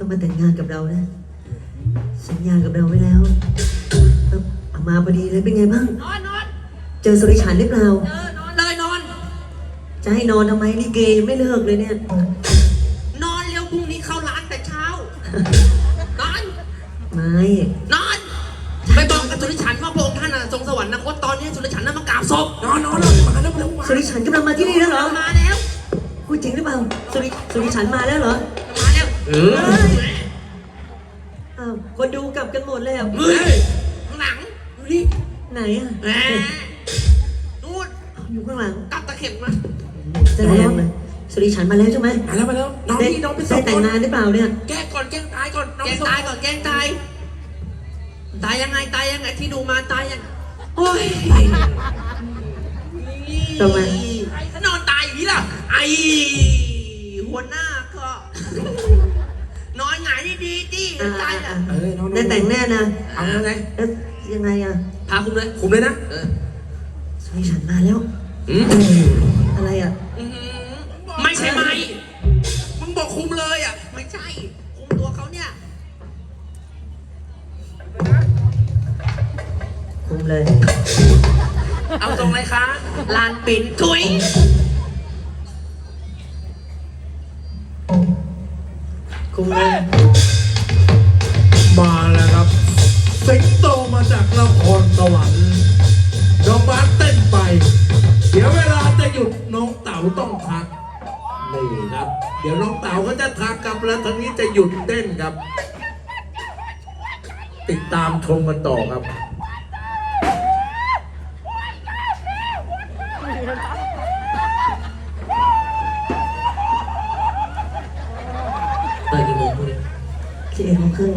ต้องมาแต่งงานกับเรานะสัญญากับเราไว้แล้วเอามาพอดีเลยเป็นไงบ้างนอนเจอสุริฉันหรือเปล่านอนเลยนอนจะให้นอนทำไมลิเกยังไม่เลิกเลยเนี่ยนอนเร็วพรุ่งนี้เข้าร้านแต่เช้านอนไม่นอนไปบอกกับสุริฉันว่าพระองค์ท่านทรงสวรรคตตอนนี้สุริฉันน่ะมากราบศพนอนมาแล้วสุริฉันกำลังมาที่นี่แล้วเหรอมาแล้วพูดจริงหรือเปล่าสุริฉันมาแล้วเหรอมาแล้วอ้าวคนดูกลับกันหมดแล้วข้างหลังนี่ไหนอ่ะนู่นอยู่ข้างหลังกลับตะเข็บมาจะแรงเลยสุริฉันมาแล้วใช่ไหมมาแล้วน้องพี่น้องไปได้แต่งงานหรือเปล่าเนี่ยแก้ก่อนแก้ตายก่อนแก้ตายก่อนแก้ตายยังไงที่ดูมาตายยังโอ้ยทำไมนอนตายอย่างนี้ล่ะไอหัวหน้าก็นอนหงายดีตายอ่ะได้แต่งแน่นะเอาไงแล้วยังไงอ่ะพาคุมเลยนะสุริฉันมาแล้วอะไรอ่ะไม่ใช่ไหมมึงบอกคุมเลยอ่ะไม่ใช่คุมตัวเขาเนี่ยคุมเลยเอาตรงเลยคะลานปิ่นถุยคุมเลยมาแล้วครับสิงโตมาจากนครสวรรค์น้องบาสเต้นไปเดี๋ยวเวลาจะหยุดน้องเต๋าต้องทักนี่ครับเดี๋ยวน้องเต๋าก็จะทักกับแล้วทางนี้จะหยุดเต้นครับติดตามชมกันต่อครับเปิดกี่โมงพวกนี้ 11:30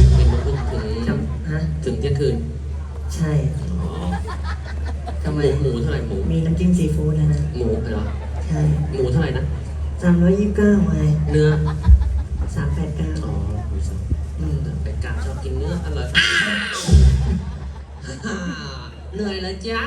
ถึงเที่ยงคืนใช่ทำไมหมูเท่าไหร่หมูมีน้ำจิ้มซีฟู้ดแล้วนะหมูเหรอใช่หมูเท่าไหร่นะ 329ไงเนื้อ 389 อ๋อเป็ดกาชอบกินเนื้ออร่อยเหนื่อยแล้วจ๊ะ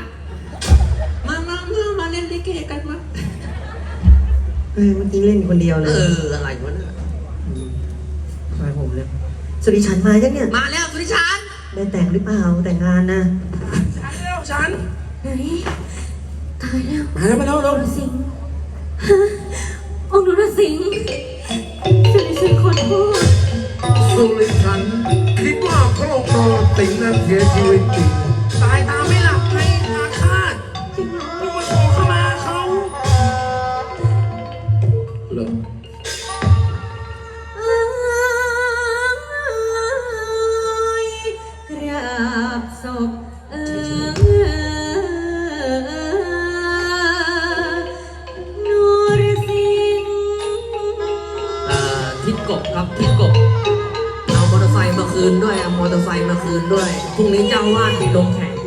มาเล่นลิเกกันวะเมื่อกี้เล่นคนเดียวเลยอะไรวะเนี่ยมาผมเลยสุริฉันมายังเนี่ยมาแล้วสุริฉันได้แต่งหรือเปล่าแต่งงานนะฉันไหนตายแล้วมาแล้วสิงฮะองค์นรสิงห์สุริฉันขอโทษสุริฉันคิดว่าพระองค์นรสิงห์นั้นเสียชีวิตจริงตายตาไม่หลับให้อาฆาตจริงเหรอมึงมาโทรเข้ามาเขาเหรอศพนรสิงห์ทิศกบครับทิศกบเอามอเตอร์ไซค์มาคืนด้วยพรุ่งนี้เจ้าวาดมีลงแข่ง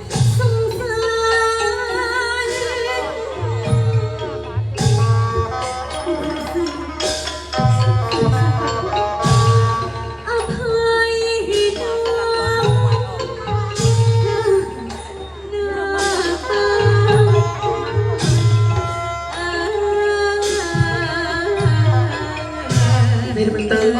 มันเติม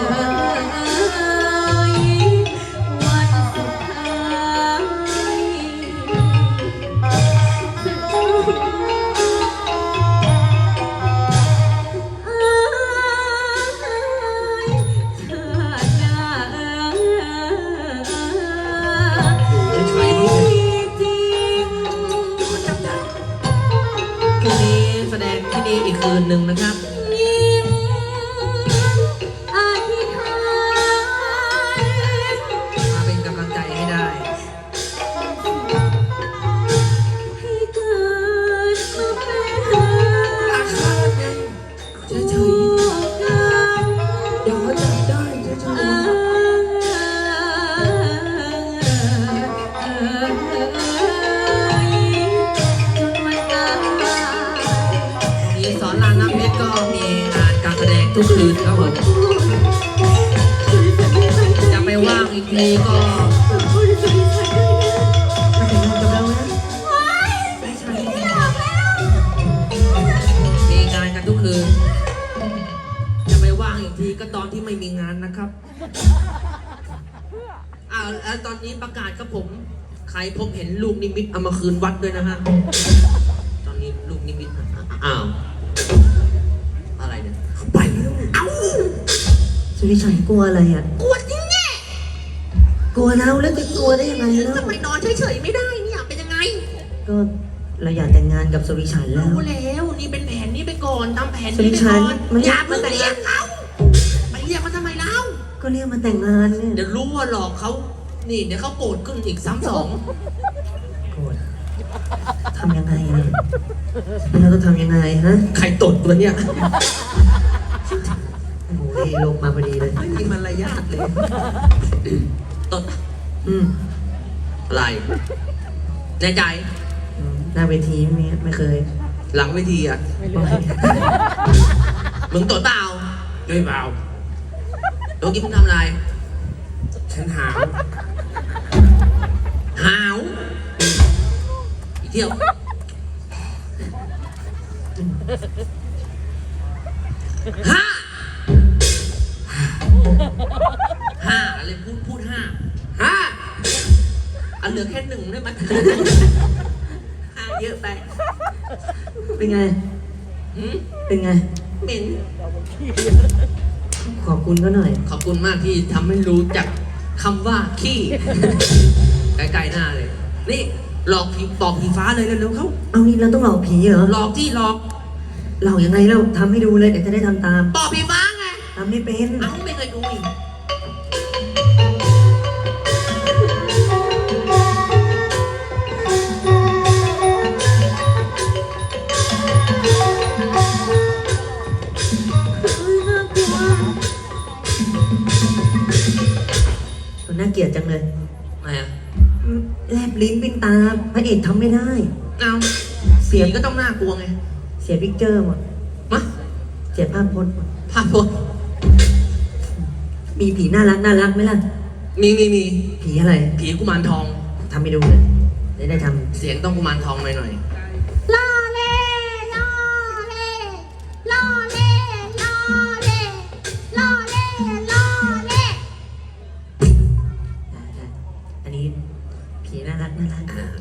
แสดงที่นี่อีกคืนหนึ่งนะครับมาเป็นกำลังใจให้ได้อาฆาตไงเฉยเดี๋ยวเขาจับได้เฉยสอนรามน้ำเพชรก็มีงานการแสดงทุกคืนครับผมจะไปว่างอีกทีก็มาแต่งงานกับเรานะมีงานกันทุกคืนจะไปว่างอีกทีก็ตอนที่ไม่มีงานานนะครับแล้วตอนนี้ประกาศครับผม ใครพบเห็นลูกนิมิตเอามาคืนวัดด้วยนะฮะ ตอนนี้ลูกนิมิตอ้าวอะไรเนี่ยไปแล้วเอ้าสุริชัยกลัวอะไรอ่ะกลัวจริงแน่กลัวเราแล้วจะกลัวได้ยังไงแล้วทำไมนอนเฉยๆไม่ได้เนี่ยเป็นยังไงก็เราอยากแต่งงานกับสุริชัยแล้วรู้แล้วนี่เป็นแผนนี้ไปก่อนตามแผนสุรินี้ไปชัก่ยอนมันอย่ามัเพิ่นงแต่งเรียงานกเขาไปเรียกเขาทำไมเล่าก็เรียกมาแต่งงานเนี่ยเดี๋ยวรู้ว่าหลอกเขานี่เดี๋ยวเขาโกรธขึ้นอีกซ้ำสองโกรธทำยังไงเนี่ยเราต้องทำยังไงฮะใครตดตัวเนี่ยโอ้โหนี่ลงมาพอดีเลยไม่มีมารยาทเลยตดอืมอะไรในใจหน้าเวทีไม่เคยหลังเวทีอ่ะมึงตดเปล่าด้วยเปล่าเมื่อกี้มึงทำอะไรฉันหาวอีกเที่ยวห้าอะไรพูดห้าอันเหลือแค่หนึ่งได้ไหมห้าเยอะไปเป็นไงหืมเป็นไงเหม็นขอบคุณก็หน่อยขอบคุณมากที่ทำให้รู้จักคำว่าขี้ ใกล้ๆหน้าเลย นี่หลอกผีปอกผีฟ้าเลยเร็วๆเขาเอานี่เราต้องหลอกผีเหรอหลอกที่หลอกหลอกยังไงเราทำให้ดูเลยเดี๋ยวจะได้ทำตามปอกผีฟ้าไงทำไม่เป็นเอ้าไม่เคยดูอีกมันน่าเกลียดจังเลยไงอ่ะแลบลิ้นปิ้นตาพระเอกทำไม่ได้เอาผีก็ต้องน่ากลัวไงเสียพิกเจอร์หมดมะเสียภาพพจน์หมดภาพพจน์มีผีน่ารักไหมล่ะมีผีอะไรผีกุมารทองทำให้ดูเลยได้ทเสียงต้องกุมารทองหน่อยล่อเล่ล่อเล่ล่อเล่ล่อเล่ล่อเล่ล่อเล่ำอันนี้ผีน่ารักๆ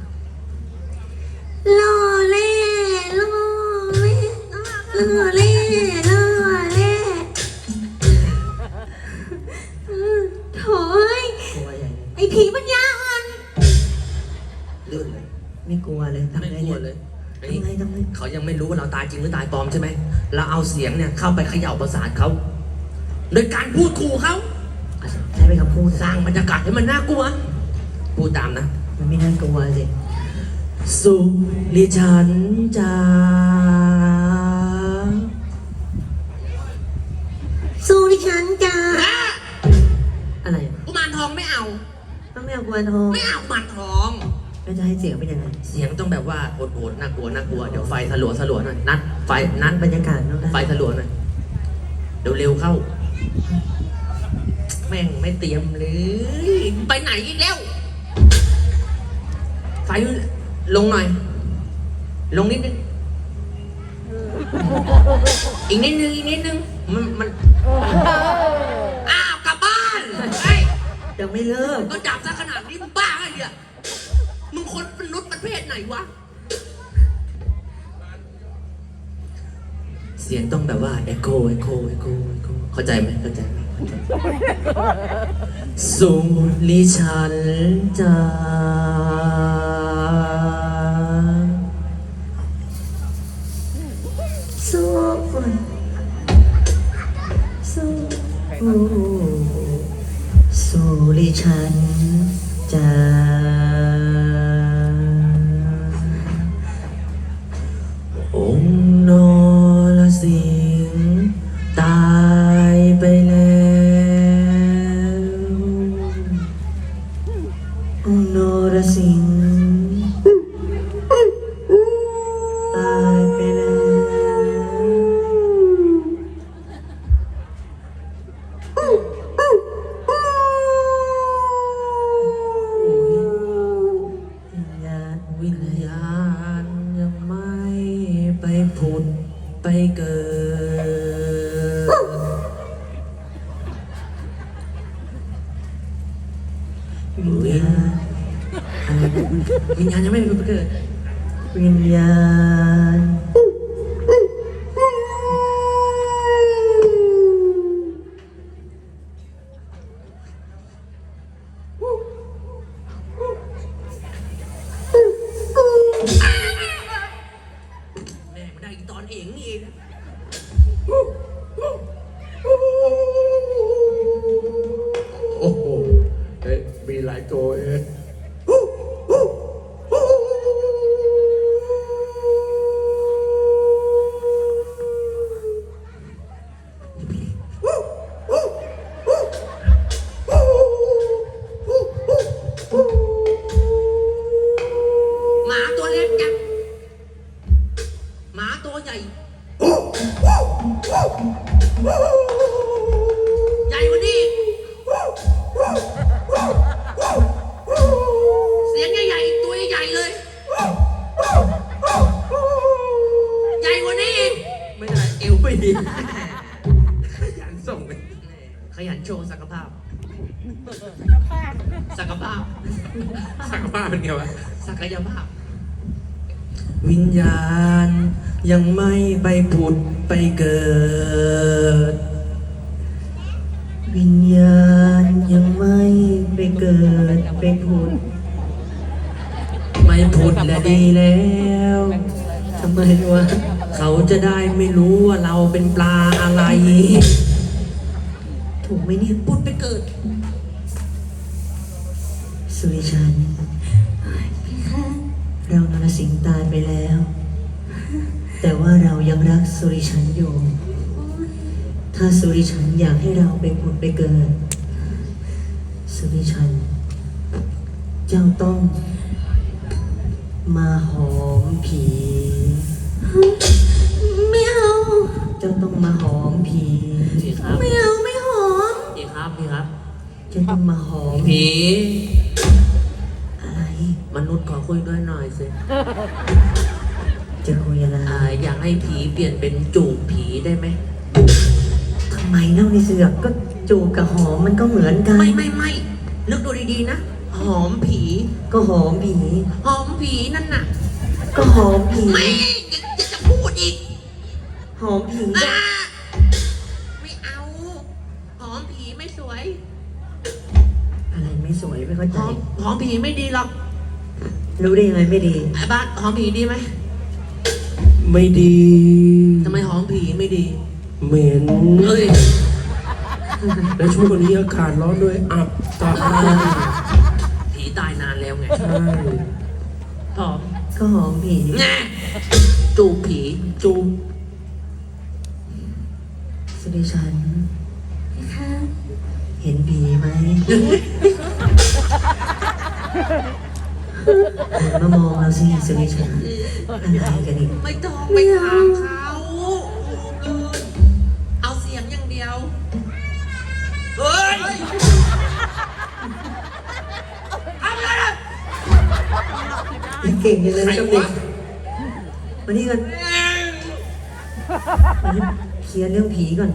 ล่อเล่ล่อเล่ล่อเล่ล่อเล่โถ่เอ้ยกลัวใหญ่เลยไอ้ผีปัญญาอ่อนลื่นเลยไม่กลัวเลยทำไม่ไงกลัเนี่วย เลยอันทำนี้ไงทำไงเขายังไม่รู้ว่าเราตายจริงหรือตายปลอมใช่ไหม เราเอาเสียงเนี่ยเข้าไปเขย่าประสาทเขา โดยการพูดขู่เขาใช้เป็นคำพูดสร้างบรรยากาศให้มันน่ากลัว พูดตามนะมันไม่น่ากลัวสิสุริฉันจาสู้ดิฉันจ้าอะไรกุมารทองไม่เอาต้องไม่เอากลัวทองไม่เอากุมารทองแล้วจะให้เสียงเป็นยังไงเสียงต้องแบบว่าโหดๆน่ากลัวเดี๋ยวไฟสลัวหน่อยนัดไฟนัดบรรยากาศต้องได้ไฟสลัวหน่อยเร็วๆเข้า แม่งไม่เตรียมเลย ไปไหนอีกแล้ว ไฟลงหน่อย ลงนิดนึง อีกนิดนึงมันอ้าวกลับบ้านเฮ้ยยังไม่เลิกก็จับซะขนาดนี้มึงบ้าไงเนี่ยมึงคนมนุษย์ประเภทไหนวะ เสียงต้องแบบว่าเอโคเข้าใจไหมเข้าใจไหมสุริฉันจาสู้สู้สู้ดิฉันจ้าองค์นรสิงห์ตายไปแล้วองค์นรสิงห์ตายไปแล้วโอ้ยวิญญาณอะไรนะวิญญาณยังไม่ไปเกิดวิญญาณแม่ไม่ได้อีตอนเองนี่เองโอ้โหเฮ้ยมีหลายตัวเองหมาตัวเล็กจังหมาตัวใหญ่ ใหญ่กว่านี้อีกเสียงใหญ่ๆตัวใหญ่ๆเลย ใหญ่กว่านี้อีกไม่ได้เอวไม่ดีขยันส่งเลยขยันโชว์ศักยภาพ ศักยภาพสักผ้าเป็นไงวะศักยภาพวิญญาณยังไม่ไปผุดไปเกิด วิญญาณยังไม่ไปเกิดไปผุด ไม่ผุดและดีแล้วทำไมวะเขาจะได้ไม่รู้ว่าเราเป็นปลาอะไร ถูกไหมเนี่ยปุดไปเกิดสุริชัน เรานรสิงห์ตายไปแล้ว แต่ว่าเรายังรักสุริชันอยู่ ถ้าสุริชันอยากให้เราไปผุดไปเกิด สุริชัน เจ้าต้อง มาหอมผีไม่เอาเจ้าต้องมาหอมผีพี่ครับไม่เอาไม่หอมพี่ครับพี่ครับเจ้าต้องมาหอมผีอะไรมนุษย์ขอคุยด้วยหน่อยสิจะคุยอะไรอยากให้ผีเปลี่ยนเป็นจูบผีได้ไหมทำไมเล่าในเสือกก็จูบกับหอมมันก็เหมือนกันไม่นึกดูดีๆนะ หอมผีก็หอมผีหอมผีนั่นน่ะก็หอมผีไม่จะพูดอีกหอมผีอ่าไม่เอา หอมผีไม่สวยอะไรไม่สวยไม่เข้าหใจหอมผีไม่ดีหรอกรู้ได้ยังไงไม่ดีไอ้บ้านหอมผีดีไหมไม่ดีทำไมหอมผีไม่ดีเหม็นเอ้ยและช่วงนี้อากาศร้อนด้วยอับตาผีตายนานแล้วไงใช่หอมก็หอมผีแง่จูบผีจูบสุริชัน เห็นผีไหมหันมามองเราสิสุริชันอะไรกันอีกไม่ต้องไปถามเขาเอาเสียงอย่างเดียว เฮ้ยเอาเลยนะเก่งจังเลยกับเด็กมานี่กันมานี่เคลียร์เรื่องผีก่อน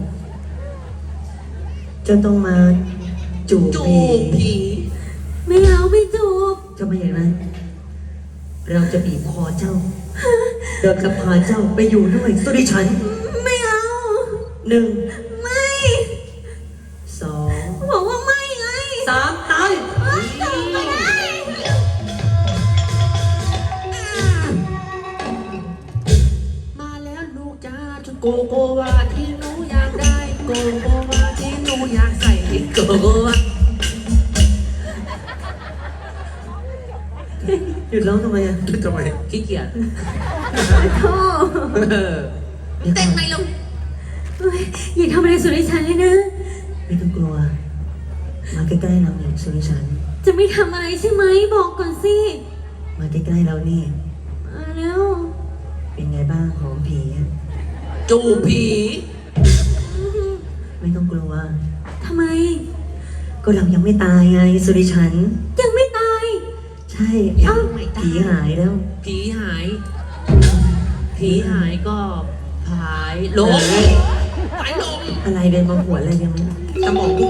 เจ้าต้องมาจูบจูผีบผีไม่เอาไม่จูบเจ้าไม่อย่างนั้นเราจะบีบคอเจ้าเดินกับพาเจ้าไปอยู่ด้วยสุริชันไม่เอาหนึ่งไม่สองบอกว่าไม่ไงสามตายไม่ได้มาแล้วลูกจ้าชุดโกโกวาที่หนูอยากได้ โกโกวาที่หนูอยากใส่โกโกวาหยุดร้องทำไมอ่ะทำไมขี้เกียจโธ่เต้นไหมลูกเฮ้ยอย่าทำอะไรสุริชันเลยนะไม่ต้องกลัว มาใกล้ๆเราเนี่ยสุริชันจะไม่ทำอะไรใช่ไหมบอกก่อนสิมาใกล้ๆเรานี่มาแล้วเป็นไงบ้างหอมผีอะจูบผีไม่ต้องกลัวทำไมก็เรายังไม่ตายไงสุริชันยังไม่ตายใช่ผีหายแล้วผีหาย ผีหายก็หายลมหายลมอะไรเดินมาหัวอะไรยังไม่สมอง